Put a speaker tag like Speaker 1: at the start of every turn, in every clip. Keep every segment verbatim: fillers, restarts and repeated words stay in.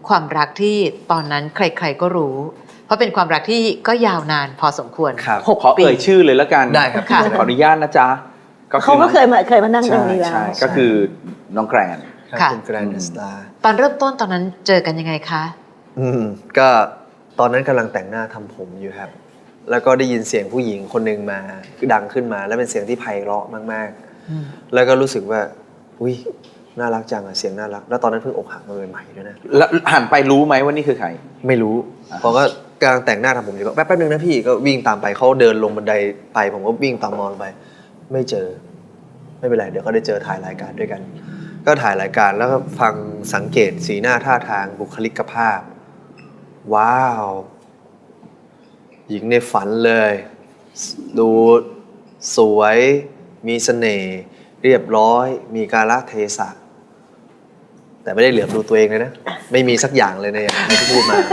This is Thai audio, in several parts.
Speaker 1: ความรักที่ตอนนั้นใครๆก็รู้ เพราะเป็นความรักที่ก็ยาวนานพอสมควรหก
Speaker 2: ขอ
Speaker 1: ปี
Speaker 2: เอ่ยชื่อเลยแล้วกัน
Speaker 3: ได้ครับ
Speaker 1: ค่ะ
Speaker 2: ขออนุญาตนะจ๊ะ
Speaker 4: เขาก็เคยมาเคยมานั่งตรงนี้แล้ว
Speaker 2: ใช่ก็คือน้องแกรน
Speaker 1: ค่ะ
Speaker 3: คุณแกรนด์สตาร์
Speaker 1: ตอนเริ่มต้นตอนนั้นเจอกันยังไงคะ
Speaker 3: อืมก็ตอนนั้นกำลังแต่งหน้าทำผมอยู่ครับ แล้วก็ได้ยินเสียงผู้หญิงคนหนึ่งมาดังขึ้นมา แล้วเป็นเสียงที่ไพเราะมากๆ แล้วก็รู้สึกว่าอุ้ยน่ารักจังอะเสียงน่ารัก แล้วตอนนั้นเพิ่งอกหักมาใหม่ๆด้วยนะ
Speaker 2: แล้วหันไปรู้ไหมว่านี่คือใคร
Speaker 3: ไม่รู้เพราะก็กำลังแต่งหน้าทำผมอยู่ก็แป๊บแป๊บนึงนะพี่ก็วิ่งตามไปเขาเดินลงบันไดไปผมก็วิ่งตามมองลงไป ไม่เจอ ไม่เป็นไรเดี๋ยวก็ได้เจอถ่ายรายการด้วยกัน ก็ถ่ายรายการแล้วก็ฟังสังเกตสีหน้าท่าทางบุคลิกภาพ ว้าว หญิงในฝันเลย ดูสวยมีเสน่ห์เรียบร้อย มีกาลเทศะแต่ไม่ได้เหลือบดูตัวเองเลยนะ ไม่มีสักอย่างเลยในอย่างที่พูดมา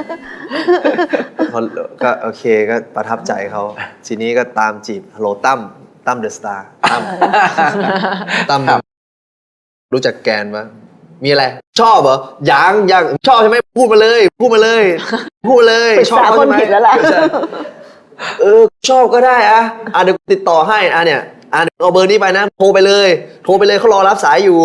Speaker 3: ก็โอเคก็ประทับใจเขาทีนี้ก็ตามจีบฮัลโหลตั้มตั้มเดอะสตาร์ตั้มตั้มรู้จักแกนปะมีอะไร ชอบเหรอยังยังชอบใช่ไหมพูดมาเลย พูดมาเลย พูดมาเลย
Speaker 4: ปรึก
Speaker 3: ชอบ
Speaker 4: ษา
Speaker 3: เขา
Speaker 4: คน
Speaker 3: ใช่ไหม
Speaker 4: ผิดแล้วล่ะ
Speaker 3: เออชอบก็ได้อะอ่ะเดี๋ยวติดต่อให้อ่ะเนี่ยอ่ะเดี๋ยวเอาเบอร์นี้ไปนะโทรไปเลย โทรไปเลยเขารอรับสายอยู่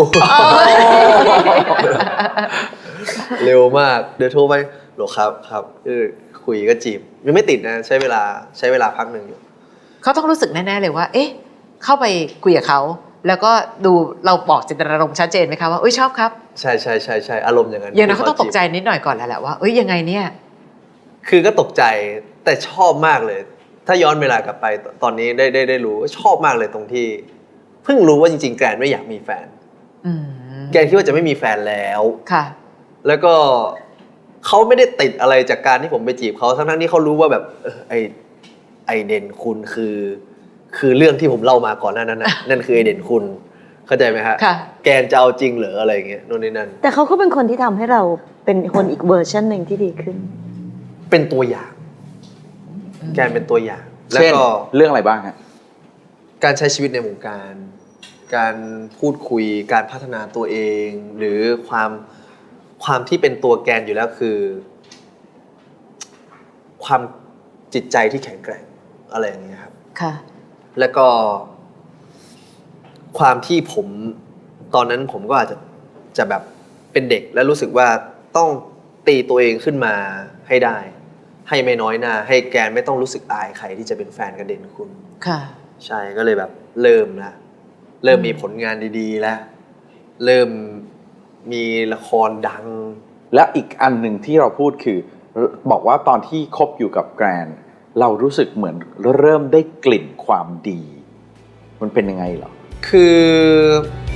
Speaker 3: เร็วมากเดี๋ยวโทรไปโหลครับครับเออคุยก็จีบยังไม่ติดนะใช้เวลาใช้เวลาพักหนึ่งอยู่
Speaker 1: เขาต้องรู้สึกแน่ๆเลยว่า เอ๊ะ เข้าไปคุยกับเขา แล้วก็ดูเราบอกเจตนารมณ์ชัดเจนไหมคะว่าเอ้ยชอบครับ
Speaker 3: ใช่ใช่ใช่ใช่อารมณ์อย่างนั้น
Speaker 1: อย่างนั้นเขาต้องตกใจนิดหน่อยก่อนแล้วแหละว่าเอ้ยยังไงเนี่ย
Speaker 3: คือก็ตกใจแต่ชอบมากเลย ถ้าย้อนเวลากลับไปตอนนี้ได้ได้ได้รู้ชอบมากเลยตรงที่ เพิ่งรู้ว่าจริงๆแกรนไม่อยากมีแฟน
Speaker 1: อืม
Speaker 3: แกรนคิดว่าจะไม่มีแฟนแล้ว
Speaker 1: ค่ะ
Speaker 3: แล้วก็เขาไม่ได้ติดอะไรจากการที่ผมไปจีบเขาทั้งๆที่เขารู้ว่าแบบเออไอไอเด่นคุณคือ คือเรื่องที่ผมเล่ามาก่อนหน้านั้นนะ นั่นคือไอเด่นคุณเข้าใจไหมฮะ
Speaker 1: ค่ะ
Speaker 3: แกนจะเอาจริงเหรออะไรอย่างเงี้ยโน่นนี่นั่น
Speaker 4: แต่เขาก็เป็นคนที่ทำให้เราเป็นคนอีกเวอร์ชันหนึ่งที่ดีขึ้น
Speaker 3: เป็นตัวอย่าง แกนเป็นตัวอย่าง แล้ว
Speaker 2: เช่น
Speaker 3: ก็
Speaker 2: เรื่องอะไรบ้างฮะ
Speaker 3: การใช้ชีวิตในวงการ การพูดคุยการพัฒนาตัวเอง หรือความความที่เป็นตัวแกนอยู่แล้วคือ ความจิตใจที่แข็งแกร่งอะไรอย่างเงี้ยครับ
Speaker 1: ค่ะ
Speaker 3: แล้วก็ความที่ผมตอนนั้นผมก็อาจจะจะแบบเป็นเด็กแล้วรู้สึกว่าต้องตีตัวเองขึ้นมาให้ได้ ให้ไม่น้อยหน้า ให้แกนไม่ต้องรู้สึกอายใครที่จะเป็นแฟนกับเด่นคุณ
Speaker 1: ค่ะ
Speaker 3: ใช่ก็เลยแบบเริ่มละเริ่มมีผลงานดีๆแล้วเริ่มมีละครดัง
Speaker 2: และอีกอันหนึ่งที่เราพูดคือ บอกว่าตอนที่คบอยู่กับแกรนเรารู้สึกเหมือนเริ่มได้กลิ่นความดี มันเป็นยังไงเหรอ
Speaker 3: คือ